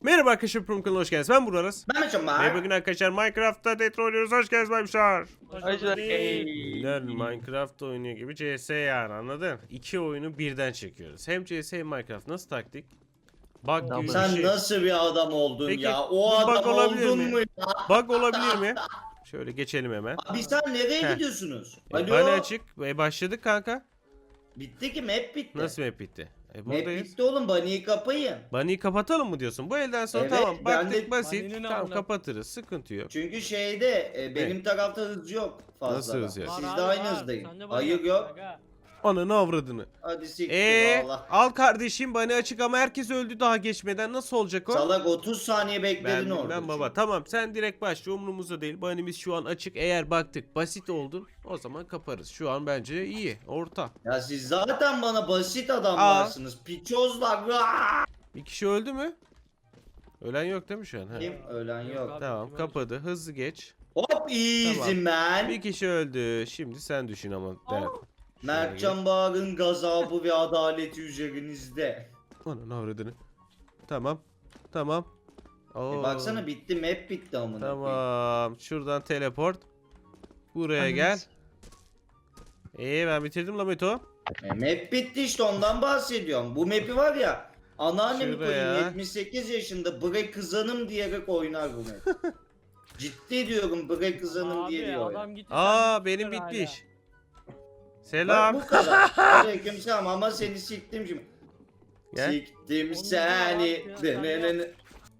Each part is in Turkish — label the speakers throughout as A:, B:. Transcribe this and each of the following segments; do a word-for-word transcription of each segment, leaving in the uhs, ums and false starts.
A: Merhaba arkadaşlar, Prum kanalına hoş geldiniz. Ben Burak Aras.
B: Ben Meçham var.
A: Ve bugün arkadaşlar Minecraft'ta Death oynuyoruz. Hoş geldiniz Baymuşlar.
B: Hey.
A: Bunlar Minecraft oynuyor gibi C S yani, anladın? İki oyunu birden çekiyoruz. Hem C S hem Minecraft. Nasıl taktik? Bug gibi bir
B: Sen
A: şey.
B: nasıl bir adam oldun
A: Peki,
B: ya?
A: bu
B: O
A: bug
B: adam
A: olabilir
B: oldun
A: mi?
B: mu ya?
A: Bug olabilir mi? Şöyle geçelim hemen.
B: Abi sen nereye
A: Heh.
B: gidiyorsunuz?
A: E,
B: Alo.
A: bana açık. E, başladık kanka.
B: Bitti ki map bitti.
A: Nasıl map bitti? E,
B: Map
A: buradayız.
B: bitti oğlum, Bunny'yi kapayın.
A: Bunny'yi kapatalım mı diyorsun? Bu elden sonra
B: Evet,
A: tamam.
B: ben
A: Baktık
B: de-
A: basit.
C: Bunny'nin
A: Tamam,
C: anlam-
A: kapatırız. Sıkıntı yok.
B: Çünkü şeyde e, benim tarafta hız yok fazla.
A: Nasıl hız yok?
B: Sizde
C: Var abi,
B: aynı
C: var.
B: hızdayım.
C: Sende var
B: Hayır
C: ya,
B: yok.
C: aga.
A: Ananı avradını.
B: Hadi siktir
A: Eee
B: valla.
A: al kardeşim, bana açık ama herkes öldü daha geçmeden, nasıl olacak o?
B: Salak otuz saniye
A: Ben
B: bekledin orada.
A: bilmem baba.
B: çünkü.
A: Tamam, sen direkt başla, umurumuzda değil. Banimiz şu an açık. Eğer baktık basit oldun, o zaman kaparız. Şu an bence iyi, orta.
B: Ya siz zaten bana basit adamlarsınız. Piçozlar. Vaa!
A: Bir kişi öldü mü? Ölen yok değil mi şu an? Ha.
B: Kim? Ölen yok.
C: abi.
A: Tamam,
C: Kim
A: kapadı. Hızlı geç.
B: Hop easy
A: Tamam.
B: man.
A: Bir kişi öldü. Şimdi sen düşün ama. Der. Şöyle
B: Mertcan Bağır'ın gazabı ve adaleti üzerinizde.
A: gel. Ananı avradını. Tamam. Tamam. Oo.
B: E baksana bitti, map bitti amına koyayım.
A: Tamam. Şuradan teleport. Buraya gel. İyi, ben bitirdim la Meto.
B: E, map bitti işte, ondan bahsediyorum. Bu map'i var ya, anneannemi
A: Şuraya.
B: koyayım yetmiş sekiz yaşında bre kızanım diyerek oynar bu map. Ciddi diyorum, bre kızanım
C: Abi,
B: diye diyor.
C: adam gitti,
A: Aa,
C: sen
A: benim
C: gittin
A: bitmiş.
C: hala.
A: Selam.
B: Bak bu kadar. Aleykümselam, ama seni siktim şimdi.
A: Gel.
B: Siktim
C: Onu
B: seni.
C: da yap ya, sen
B: Denenene-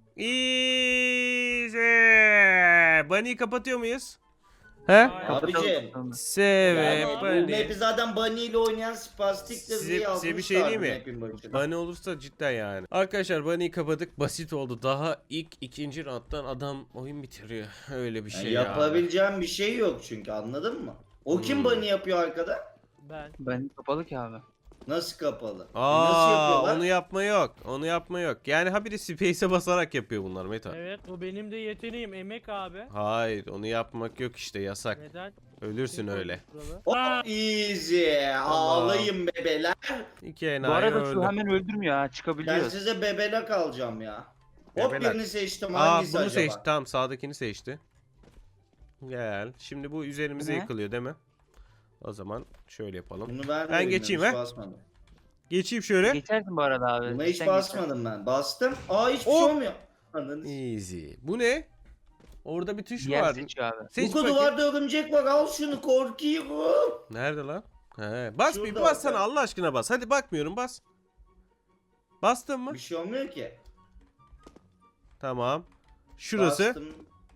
A: Easy. Bunny'yi kapatıyor muyuz? He?
C: Hayır.
B: Abicim.
A: Seve
B: Yani bu
A: Bunny.
B: map'i zaten Bunny ile oynayan spastiktir
A: Size-
B: diye
A: size bir şey
B: yazmışlar
A: diyeyim mi?
B: map'in başına.
A: Bunny olursa cidden yani. Arkadaşlar, Bunny'yi kapadık. Basit oldu. Daha ilk ikinci round'dan adam oyun bitiriyor. Öyle bir
B: Yani
A: şey ya.
B: yapabileceğim bir şey yok çünkü, anladın mı? O kim
A: Hmm.
B: Bunny yapıyor arkada?
C: Ben.
D: Ben kapalı ki abi.
B: Nasıl kapalı? E
A: Aa,
B: nasıl yapıyorlar?
A: onu yapma yok. Onu yapma yok. Yani ha biri space'e basarak yapıyor bunlar Meta.
C: Evet, bu benim de yeteneğim, emek abi.
A: Hayır, onu yapmak yok işte, yasak.
C: Neden?
A: Ölürsün
C: Kim
A: öyle.
C: koymuş buralı?
B: Hop easy. Ağlayın bebeler.
A: İki
D: Bu
A: enayi
D: arada
A: öldü.
D: şu hemen öldürmüyor ha,
B: Ben
D: çıkabiliyor.
B: size bebelek alacağım ya. Hop
A: Bebelek.
B: birini seçtim,
A: Aa,
B: hangisi
A: bunu
B: acaba?
A: seçti. Tamam, sağdakini seçti. Gel. Şimdi bu üzerimize
D: Ne?
A: yıkılıyor değil mi? O zaman şöyle yapalım.
B: Bunu ben,
A: Ben
B: de
A: geçeyim,
B: bilmiyorum,
A: he?
B: hiç basmadım.
A: Geçeyim şöyle.
D: Geçersin bu arada abi.
B: Buna hiç
D: Sen
B: basmadım ben. Bastım. Aa, hiçbir
A: Hop.
B: şey olmuyor. Ananı s-
A: Easy. Bu ne? Orada bir tuş
D: geçersin.
A: var.
D: Yer seçiyor abi.
A: Seç
B: Bu
A: bakayım.
B: duvarda örümcek var, al şunu, korkuyorum.
A: Nerede lan? He, bas bir
B: Şurada
A: bas sana,
B: bak.
A: Allah aşkına bas. Hadi, bakmıyorum, bas. Bastın mı?
B: Bir şey olmuyor ki.
A: Tamam. Şurası.
B: Bastım.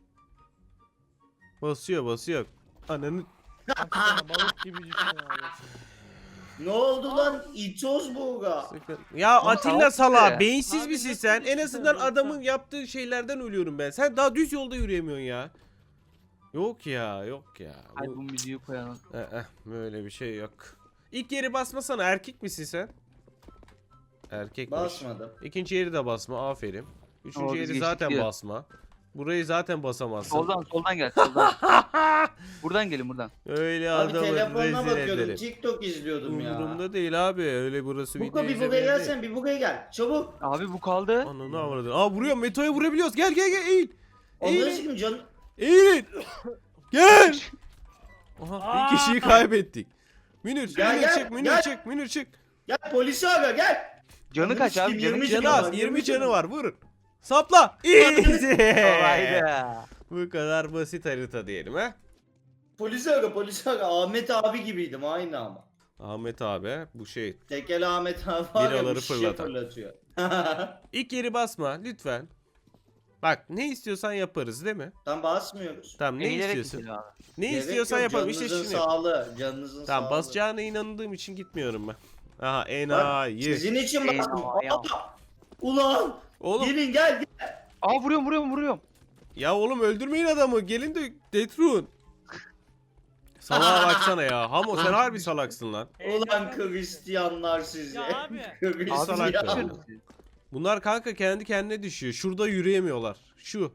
A: Basıyor basıyor. Ananı.
C: Baksana, balık gibi düşün abi.
B: Ne oldu lan? İtoz buğra.
A: Sakın. Ya
D: Ama
A: Atilla
D: salak
A: sala,
D: ya.
A: beyinsiz
C: Abi
A: misin
C: nasıl
A: sen? En
C: düşüyor
A: azından
C: insan?
A: adamın yaptığı şeylerden ölüyorum ben. Sen daha düz yolda yürüyemiyorsun ya. Yok ya, yok ya.
D: Hadi
A: Bu...
D: bu müziği koyalım.
A: Eh, eh, böyle bir şey yok. İlk yeri basmasana, erkek misin sen? Erkekmiş.
B: Basmadım.
A: İkinci yeri de basma, aferin. Üçüncü
D: Oo, biz
A: yeri
D: geçtik
A: zaten
D: diyor.
A: basma. Burayı zaten basamazsın.
D: Soldan soldan gel soldan. Buradan gelin buradan.
A: Öyle
B: Abi
A: adamı
B: telefonuna
A: rezil
B: bakıyordum.
A: ederim.
B: TikTok izliyordum ya.
A: Umurumda değil abi, öyle burası
B: Buka
A: video
B: bir buraya
A: izlemeye değil.
B: gelsen, bir buraya gel. Çabuk.
D: Abi bu kaldı.
A: Ananı avradın. Aa, vuruyor, Meto'ya vurabiliyoruz. Gel gel gel, eğil.
B: Onları
A: Eğilin.
B: sikim canım.
A: Eğilin. Gel. Aha,
C: Aa!
A: bir kişiyi kaybettik. Münir,
B: Gel,
A: Münir
B: gel,
A: çık, Münir
B: gel.
A: çık, Münir çık.
B: Gel polisi ara, gel.
D: Canı kaç abi?
B: Yirmi
D: Canı
B: canı
A: Canı
B: var,
A: az,
B: yirmi
A: yirmi canı
B: canı
A: var, vurun. Sapla. Easy.
D: kolaydı.
A: Bu kadar basit harita diyelim ha.
B: Polisi ara, polisi ara. Ahmet abi gibiydim aynı ama.
A: Ahmet abi, bu şey.
B: Tekel Ahmet abi var ya,
A: Biraları
B: bu şişe
A: fırlatan.
B: fırlatıyor.
A: İlk yeri basma lütfen. Bak, ne istiyorsan yaparız değil mi?
B: Tam basmıyoruz.
A: Tamam, ne
D: Eğilerek
A: istiyorsun?
D: gidelim abi.
A: Ne
B: Gerek
A: istiyorsan
B: yok,
A: yapalım. İşte
B: canınızın
A: şimdi.
B: sağlığı, canınızın
A: Tamam,
B: sağlığı.
A: basacağına inandığım için gitmiyorum ben. Aha,
B: Bak,
A: enayi.
B: sizin için
D: Eyvah,
B: bastım.
D: eyvah.
B: Aa! Ulan!
A: Oğlum,
B: Gelin gel gel.
D: Aa vuruyorum vuruyorum vuruyorum.
A: ya oğlum, öldürmeyin adamı. Gelin de Detrun. Salağa baksana ya. Hamo, sen harbi salaksın lan.
B: Ulan Hristiyanlar sizi.
C: Ya abi.
D: Abi
A: salak
B: Hristiyan.
A: ya. Bunlar kanka kendi kendine düşüyor. Şurada yürüyemiyorlar. Şu.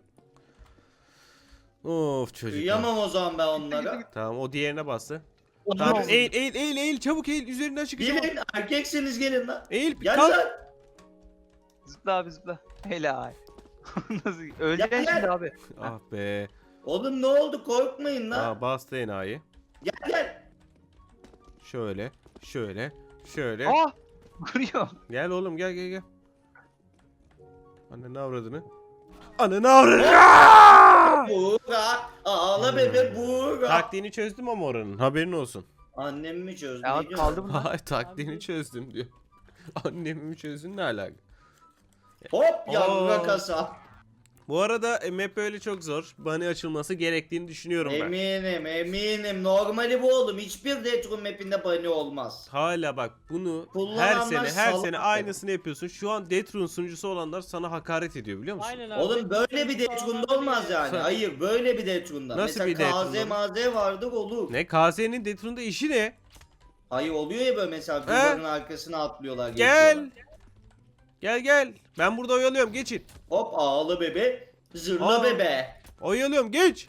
A: Of çocuk.
B: Uyuyamam o zaman ben onlara.
A: Tamam, o diğerine bastı.
B: Ulan
A: Tamam,
B: siz-
A: eğil eğil eğil eğil, çabuk eğil, üzerinden çıkacağım.
B: Gelin, erkekseniz gelin lan.
A: Eğil,
B: Gel
A: kalk.
B: lan.
D: Zıpla abi zıpla. Helal. Nasıl? Öleceksin
B: Gel,
D: şimdi
B: gel.
D: abi.
A: Ah be.
B: Oğlum ne oldu korkmayın lan.
A: Aa bastı enayi.
B: Gel gel.
A: Şöyle. Şöyle. Şöyle.
D: Aa! Vuruyor.
A: Gel oğlum gel gel gel. Anne ne avradını? Anne ne avradını?
B: Buğra. Ağla bebe Buğra.
A: Taktiğini çözdüm ama oranın. Haberin olsun.
B: Annem mi çözdü?
D: Ya
B: Ne diyorsun?
D: kaldı mı?
A: Hayır taktiğini
C: Abi.
A: çözdüm diyor. Annemi mi çözdün ne alaka?
B: Hop yavra
A: Oo.
B: kasa.
A: Bu arada map öyle çok zor. Bunny açılması gerektiğini düşünüyorum ben.
B: Eminim eminim. Normali bu oğlum. Hiçbir Deathroom mapinde bunny olmaz.
A: Hala bak bunu her
B: Kullananlar
A: sene her
B: salak
A: sene
B: tabii.
A: aynısını yapıyorsun. Şu an Deathroom sunucusu olanlar sana hakaret ediyor biliyor musun?
C: Aynen abi.
B: Oğlum böyle bir Deathroom'da olmaz yani.
A: Sen-
B: Hayır böyle bir Deathroom'da.
A: Nasıl
B: Mesela
A: bir Deathroom'da
B: K Z
A: bu?
B: maze vardır olur.
A: Ne K Z'nin Deathroom'da işi ne?
B: Hayır oluyor ya böyle mesela duvarın arkasına atlıyorlar.
A: Gel.
B: geçiyorlar.
A: Gel gel. Ben burada oyalıyorum geçin.
B: Hop ağlı bebe. Zırla
A: Aa.
B: bebe.
A: Oyalıyorum geç.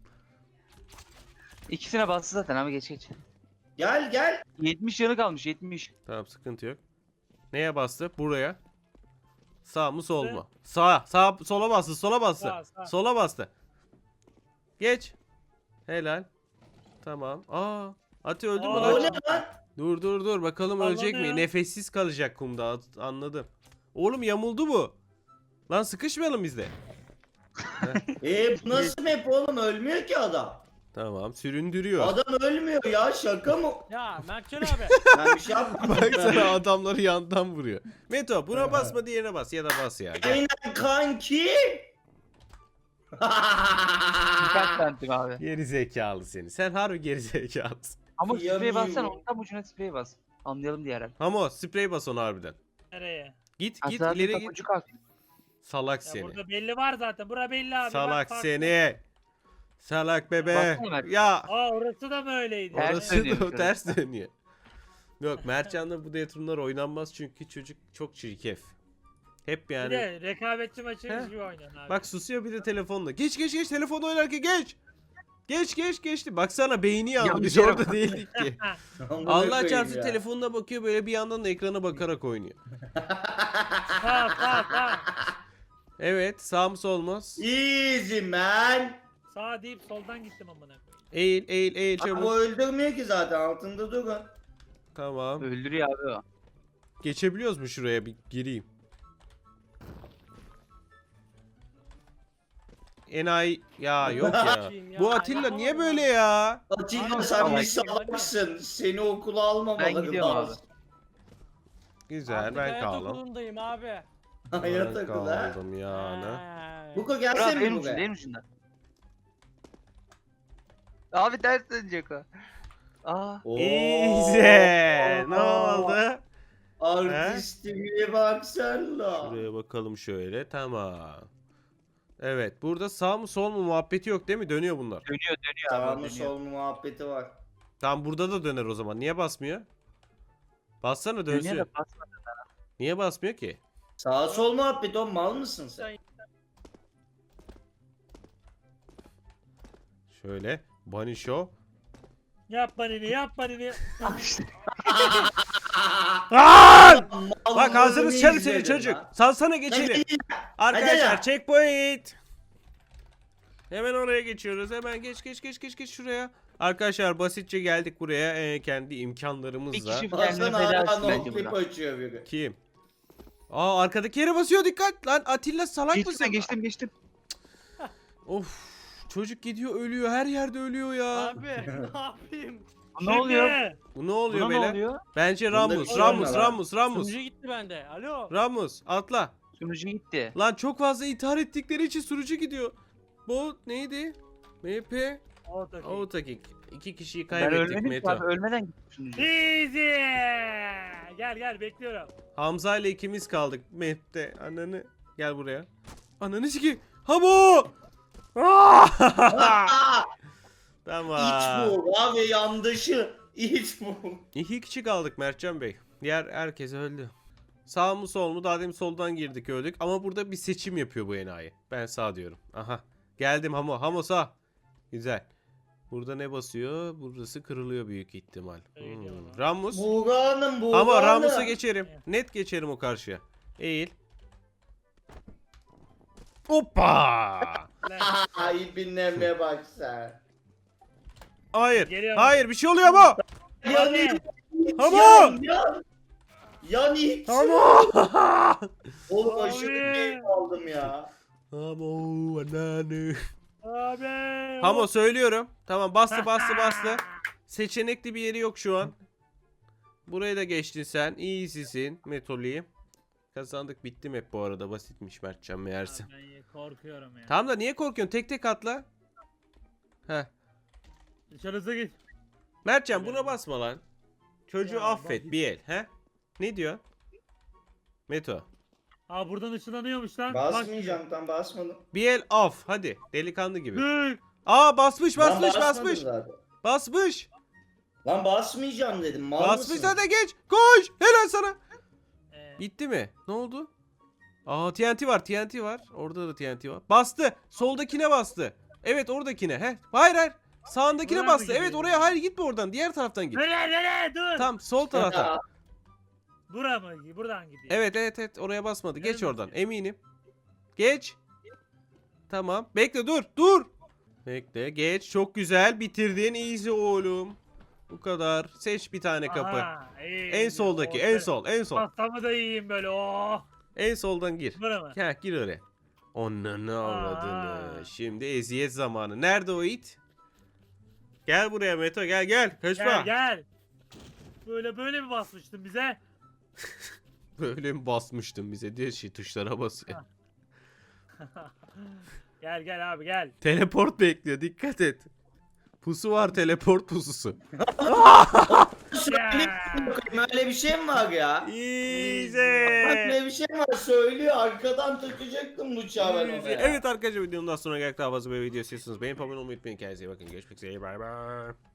D: İkisine bastı zaten abi geç geç.
B: Gel gel.
D: yetmiş yanı kalmış yetmiş.
A: Tamam sıkıntı yok. Neye bastı? Buraya. Sağ mı sol mu? Sağ. Sağ sola bastı. Sola bastı.
C: Sağ, sağ.
A: Sola bastı. Geç. Helal. Tamam. Aa. Ati öldü mü
C: Aa.
A: lan?
B: O ne lan?
A: Dur dur dur bakalım
C: Allah
A: ölecek
C: ne
A: mi?
C: ya?
A: Nefessiz kalacak kumda. At- Anladım. Oğlum yamuldu bu. Lan sıkışmayalım biz de.
B: Eee bu nasıl map oğlum ölmüyor ki adam.
A: Tamam süründürüyor.
B: Adam ölmüyor ya şaka mı?
C: Ya Mertcan abi.
B: Ben bir şey yapmadım.
A: Baksana adamları yandan vuruyor. Meto buna basma diğerine bas ya da bas ya. Gel.
B: Aynen kanki.
D: Dikkat bentim abi.
A: Geri zekalı seni. Sen harbi geri zekalısın.
D: Ama sprey
B: Kıyamıyorum.
D: bassana onun tam ucuna sprey bas. Anlayalım diye herhalde.
A: Ama sprey bas onu harbiden.
C: Nereye?
A: Git git
D: Hatta
A: ileri
D: bir
A: git.
D: tapucu kalk.
A: Salak
C: Ya
A: seni.
C: burada belli var zaten. Bura belli abi.
A: Salak
C: bak, bak.
A: seni. Salak bebe.
D: Baksana Mert.
A: Ya.
C: Aa orası da mı öyleydi?
D: Ters
A: Orası
D: dönüyor
A: da
D: şöyle.
A: ters dönüyor. Yok Mertcan'la bu Deathroom'lar oynanmaz çünkü çocuk çok çirkef. Hep
C: Bir
A: yani.
C: de rekabetçi maçı
A: He?
C: gibi oynuyorsun abi.
A: Bak susuyor bir de telefonla. Geç geç geç telefon oynarken geç. Geç geç geçti. Baksana beyni yandı.
D: Yanlış
A: Biz
D: yere
A: orada
D: bak.
A: değildik ki.
B: Amına
A: Allah
B: koyayım
A: çarpsın
B: ya.
A: telefonuna bakıyor böyle bir yandan da ekrana bakarak oynuyor.
C: Sağ sağ sağ.
A: Evet sağ mı sol mu?
B: Easy man.
C: Sağ deyip soldan gittim amına koyayım.
A: Eğil eğil eğil
B: Ama
A: çabuk.
B: o öldürmüyor ki zaten altında durun.
A: Tamam.
D: Öldürüyor abi o.
A: Geçebiliyoruz mu şuraya bir gireyim. Enayi ya yok ya.
C: Bakayım ya,
A: Bu Atilla niye
C: yapamam
A: böyle
C: abi.
A: ya?
B: Atilla
C: Abi,
B: sen bir
C: salak.
B: salaksın. Seni okula almamaları
D: Ben gidiyorum abi.
B: lazım.
A: Güzel
C: Artık
A: ben
C: hayat
A: kaldım.
C: okulundayım abi.
B: Hayat
A: Ben
B: okulu ha.
A: kaldım yani.
C: Ha.
B: Buko
D: Murat
B: gelsene
D: benim
B: mi
D: ucunda
B: buraya?
D: benim ucunda. Abi ters dönecek o. Aa.
B: Oo.
A: Easy. Ne oldu?
B: Artistliğe bak sen la.
A: Şuraya bakalım şöyle. Tamam. Evet. Burada sağ mı sol mu muhabbeti yok değil mi? Dönüyor bunlar.
D: Dönüyor dönüyor
B: Sağ
D: abi
B: mı
D: dönüyor.
B: sol mu muhabbeti var.
A: Tamam burada da döner o zaman. Niye basmıyor? Bassana
D: Dönüyor
A: dönsün.
D: da basma.
A: Niye basmıyor ki?
B: Sağ sol muhabbeti o mal mısın sen?
A: Şöyle. Bunny Show.
C: Yap banini yap banini.
A: Aa!
B: Mal
A: Bak ağzını
B: mı
A: sıçarım
B: izledin
A: seni çocuk.
B: lan?
A: Salsana geçelim.
B: Hadi.
A: Arkadaşlar
B: Hadi.
A: checkpoint. Hemen oraya geçiyoruz. Hemen geç geç geç geç geç şuraya. Arkadaşlar basitçe geldik buraya ee, kendi
D: Bir
A: imkanlarımızla.
D: kişi kendini
B: Baksana
D: feda
B: hala
D: etsin bence
B: no clip
D: burada.
B: açıyor biri.
A: Kim? Aa arkadaki yere basıyor dikkat. Lan Atilla salak
D: Geçtim
A: mısın?
D: ben geçtim geçtim.
A: Of çocuk gidiyor ölüyor her yerde ölüyor ya.
C: Abi ne yapayım?
D: Ne oluyor?
C: Şimdi.
A: Bu ne oluyor
D: Buna ne
A: beyler?
D: oluyor?
A: Bence
B: Bunda bir
A: Ramus,
B: şey
A: Ramus,
B: olmuyor lan.
A: Ramus, Ramus.
C: Sunucu gitti bende. Alo.
A: Ramus atla.
D: Sunucu gitti.
A: Lan çok fazla intihar ettikleri için sürücü gidiyor. Bu neydi? M P
C: Oradaki.
A: Autakik. İki kişiyi
D: Ben
A: kaybettik
D: ölmedim ki
A: Meto.
D: abi ölmeden gitti sunucu.
C: Easy. Gel gel bekliyorum.
A: Hamza ile ikimiz kaldık map'te. Ananı gel buraya. Ananı siki. Habo!
B: Aa,
A: Tamam.
B: İç bu abi yandaşı. İç bu.
A: İki kişi kaldık Mertcan Bey. Diğer herkes öldü. Sağ mı sol mu? Daha demin soldan girdik öldük. Ama burada bir seçim yapıyor bu enayi. Ben sağ diyorum. Aha. Geldim Hamo. Hamo sağ. Güzel. Burada ne basıyor? Burası kırılıyor büyük ihtimal.
C: Öyle
A: Hmm.
C: diyorlar.
A: Ramus.
B: Buğra'nın Buğra'nın.
A: Ama Ramus'a geçerim. Net geçerim o karşıya. Eğil. Hoppa.
B: Ay bineme bak sen.
A: Hayır.
C: Geliyor.
A: Hayır bir şey oluyor ama.
B: Yan
C: Hadi.
B: it.
A: Hamo!
B: Yan yan. Yan it.
A: Hamo.
B: Oğlum
C: Abi.
B: aşırı keyif aldım ya.
A: Hamo anneanne.
C: Abi.
A: Hamo söylüyorum. Tamam bastı bastı bastı. Seçenekli bir yeri yok şu an. Burayı da geçtin sen. İyisisin Metoli. Kazandık bitti map bu arada. Basitmiş Mertcan meğerse.
C: Ben korkuyorum ya.
A: Tamam da niye korkuyorsun? Tek tek atla. Heh.
C: Dışarısı git.
A: Mertcan buna basma lan. Çocuğu
C: Ya,
A: affet
C: bak-
A: bir el. He? Ne diyor? Meto.
C: Aa buradan ışınlanıyormuş lan. Bak.
B: Basmayacağım tam basmadım.
A: Bir el af. Hadi. Delikanlı gibi.
C: Dur.
A: Aa basmış
B: Lan
A: basmış
B: basmadım
A: basmış.
B: zaten.
A: Basmış.
B: Lan basmayacağım dedim. Mal
A: Basmış
B: mısın?
A: hadi geç. Koş. Helal sana.
C: Ee,
A: Bitti mi? Ne oldu? Aa T N T var, T N T var. Orada da T N T var. Bastı. Soldakine bastı. Evet oradakine. He. Hayır hayır. Sağındakine
C: Buraya mı
A: bastı. Evet
C: gidiyor?
A: oraya hayır gitme oradan. Diğer taraftan git.
C: Nereye nereye dur.
A: Tam sol tarafa.
C: Bura mı? Buradan gidiyor.
A: Evet evet evet oraya basmadı. Geç
C: Nereden
A: oradan.
C: gidiyor?
A: Eminim. Geç. Tamam. Bekle dur. Dur. Bekle. Geç. Çok güzel. Bitirdin. Easy oğlum. Bu kadar. Seç bir tane kapı.
C: Aha, iyi,
A: En
C: iyi.
A: soldaki.
C: Oh,
A: En
C: ben-
A: sol. En sol.
C: Pastamı da yiyeyim böyle. Oh.
A: En soldan gir.
C: Bura mı?
A: Ha gir oraya. Onunu avradını.
C: Aa.
A: Şimdi eziyet zamanı. Nerede o it? Gel buraya Meto gel gel. Kaçma.
C: Gel gel. Böyle böyle mi basmıştın bize?
A: Böyle mi basmıştın bize diye şey tuşlara basıyor.
C: Gel gel abi gel.
A: Teleport bekliyor dikkat et. Pusu var teleport pususu.
B: Söyle bakayım, öyle bir şey mi var ya?
A: Easy.
B: Öyle bir şey mi var? Söylüyor arkadan takacaktım bıçağı ben ona.
A: Evet arkadaşlar videomdan sonra gerçekten daha fazla böyle video istiyorsanız beğenip abone olmayı unutmayın. Kendinize iyi bakın. Görüşmek üzere. Bay bay.